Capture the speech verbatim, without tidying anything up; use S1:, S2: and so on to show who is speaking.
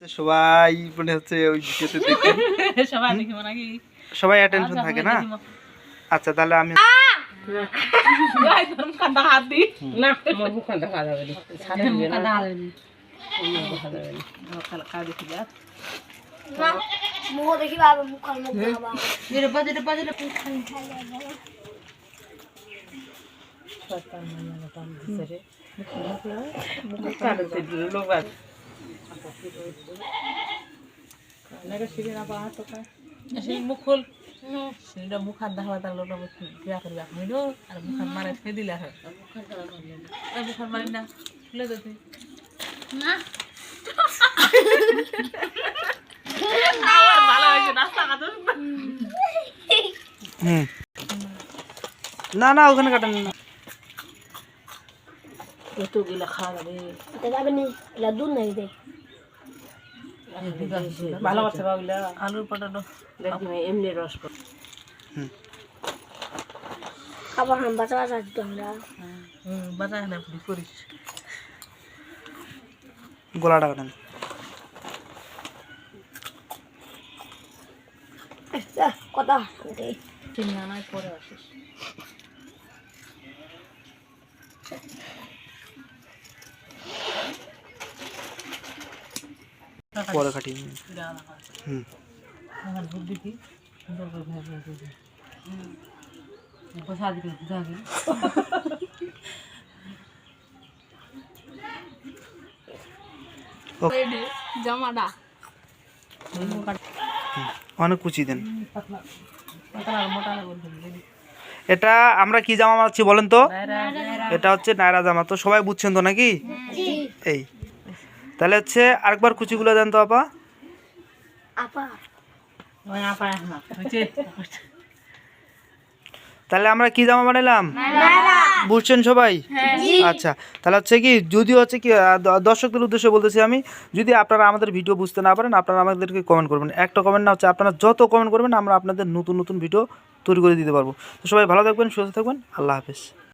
S1: সবাই মনে হচ্ছে ওই ভিডিওতে দেখে
S2: সবাই দেখিব নাকি
S1: সবাই অ্যাটেনশন থাকে না। আচ্ছা তাহলে আমি
S2: গাই ধরম কান্দা হাত দি
S3: না মোর মুখ কান্দা খাওয়া যাবে না ছাড়ে দিবে না
S2: কান্দা হাত দি
S3: দেখা যাবে না
S2: কাল কা দেখি যা
S4: না মুখ দেখি বাবা মুখ খাল মুখ বাবা
S2: এর বাজে এর বাজে
S3: শয়তান মানে টান দিছে রে মুখ কাটতে দিল লোবাদ লাগা শিরে না পা তো কা
S2: সেই মুখ খোল সেটা মুখ হাত দেখাবা তার লোক বিয়া করবে হইল আর মুখ হাত মারে ফেলে দিলে হয়
S3: মুখ কান্দা করলে না
S2: আর মুখ হাত মারি না খুলে দে তুই
S4: না
S2: আর ভালো হইছে নাস্তা খাতো
S1: হুম না না ওখানে কাটেন না
S3: এত গিলা খাওয়া যাবে
S4: এটা যাবে নি এটা দুধ নাই দে
S3: ভালো কথা বাবুলা
S2: আলুর পটাটো
S3: দেখি এমনি রস কর
S1: হুম
S4: খাবার হাম বাঁচা বাঁচা দিতে আমরা
S2: হুম বাজা না পুরি করিস
S1: গোলাটা কাটেন
S4: কথা
S2: চিন্তা নাই পরে আসিস
S1: পরে কাটি হুম
S2: আমার বুদ্ধি কি সুন্দর করে ভাই ভাই করে হুম বসা দিকে বুঝা গেল
S4: রেডি জামাটা
S1: অনেক কুচি দেন।
S2: পাতলা পাতলা মোটা করে দিবি
S1: এটা আমরা কি জামা মারছি বলেন তো? এটা হচ্ছে নায়রা জামা। তো সবাই বুঝছেন তো নাকি? এই তাহলে হচ্ছে আরেকবার কুচিগুলো দেন তো আপা।
S4: আপা
S2: ওই আপা না হচ্ছে
S1: তাহলে আমরা কি জামা বানাইলাম বুঝছেন সবাই? আচ্ছা তাহলে হচ্ছে কি যদি হচ্ছে কি দ- দর্শকদের উদ্দেশ্যে বলতেছি আমি, যদি আপনারা আমাদের ভিডিও বুঝতে না পারেন আপনারা আমাদেরকে কমেন্ট করবেন। একটা কমেন্ট না হচ্ছে আপনারা যত কমেন্ট করবেন আমরা আপনাদের নতুন নতুন ভিডিও তৈরি করে দিতে পারবো। তো সবাই ভালো থাকবেন, সুস্থ থাকবেন, আল্লাহ হাফেজ।